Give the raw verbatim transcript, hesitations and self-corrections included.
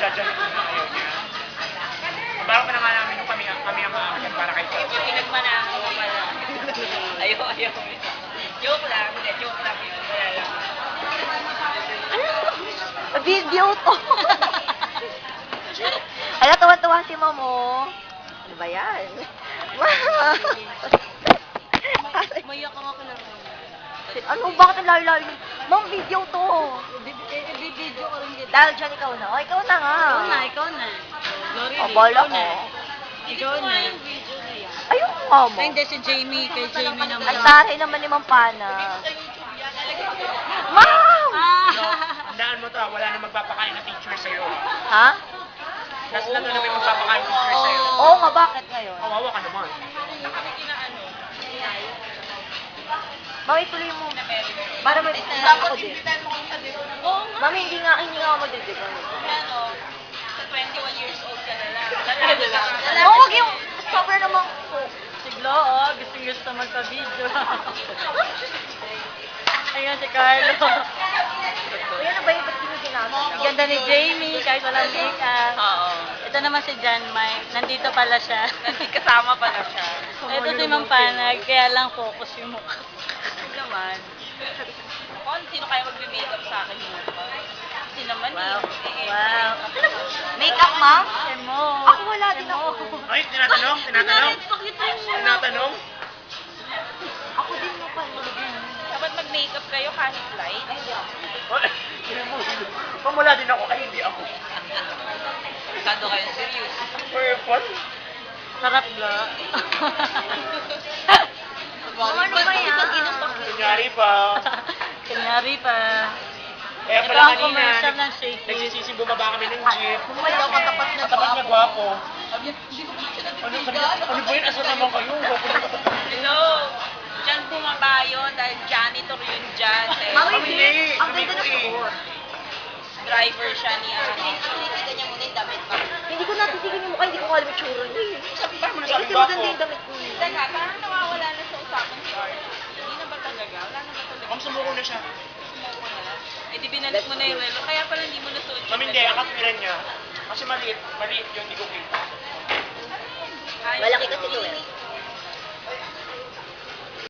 dyan ito na ayaw niya. Baro pa naman namin nung kami, kami ang aakyat para kay Papa. Pinagmanahan mo pala. Ayaw, ayaw. Joke lang, hindi, joke lang yun. Wala lang. Video to. Ala, tuwa-tuwa si Mamo. Ano ba yan? Mayak ang ako lang. Ano, bakit ang layo-layo? Ma'am, video to. Bibidyo ko rin dito. Dahil dyan ikaw na. O, ikaw na nga. Ikaw na, ikaw na. Glory, O, bala ikaw ko. na. Ikaw na. video na yan. Ayun nga mo. Ay, hindi, si Jamie. Kay Jamie naman. Ay, taray naman ni Ma'am Pana. Ma'am! Ah! Tandaan mo to, ah, wala na magpapakain na picture sa'yo. ah. Ha? Last na to na may magpapakain picture sa'yo. Oo nga, bakit ngayon? Kawawa ka naman. Ma'am, ituloy mo. Para may ako din. Oo nga. Ma'am, hindi nga, hindi nga ako magdidibang. Ano, sa twenty-one years old ka na lang. Oo, wag yung cover naman ko. Siglo, oh. Gustong gusto magpa-video. Ayun si Carlo. Uy, ano ba yung ba't yung ginagawa? Ganda ni Jamie, kahit walang makeup. Oo. Ito naman si John Mike. Nandito pala siya. Nandito kasama pala siya. Ito si Mang Panag, kaya lang focus yung mukha. Hindi naman. Kung sino kaya mag-makeup sa akin yung mukha? Kasi naman Wow. eh. Wow. Makeup, ma'am? Emo. Ako wala din ako. Ay, tinatanong, tinatanong. Pakitry mo. Tinatanong. Ako din mo pa. Dapat mag-makeup kayo kahit light. Ay, hindi ako. Ay, hindi mo. Pamula din ako. Ay, hindi ako. Kado kayo serious. Purple. Sarap ba? Ano ba yan? Kunyari pa. Kunyari pa. Kaya Ito pala ang kanina, commercial nag- ng Shake It. nagsisisi bumaba kami ng jeep. Bumalik ako tapat na Katapat niya gwapo. Hindi ko pa siya Ano, sabi niya, ano ba yun? Asa naman kayo? Gwapo na katapat. Hello! Diyan bumaba yun dahil janitor yun dyan. Eh. Mami, Kami hindi. hindi. Ang Kami ganda ko ng eh. suot. Driver siya ni Ate. Nakikita niya muna yung damit pa. Hindi ko natitigan yung mukha, hindi ko alam yung tsura niya. eh. Paano mo Eh, nasabi kasi gwapo? maganda yung damit ko. eh. Teka, parang nawawala na sa usapan si Art. Hindi na ba talaga? Wala na ba talaga? Ma'am, sumuko na siya. Sumuko na. Eh di binalik mo na yung relo. Kaya pala hindi mo nasuot yung Ma'am, hindi. relo. Ang katwiran niya. Kasi maliit. Maliit yun, hindi ko kita. Ay, Malaki kasi to eh. hindi-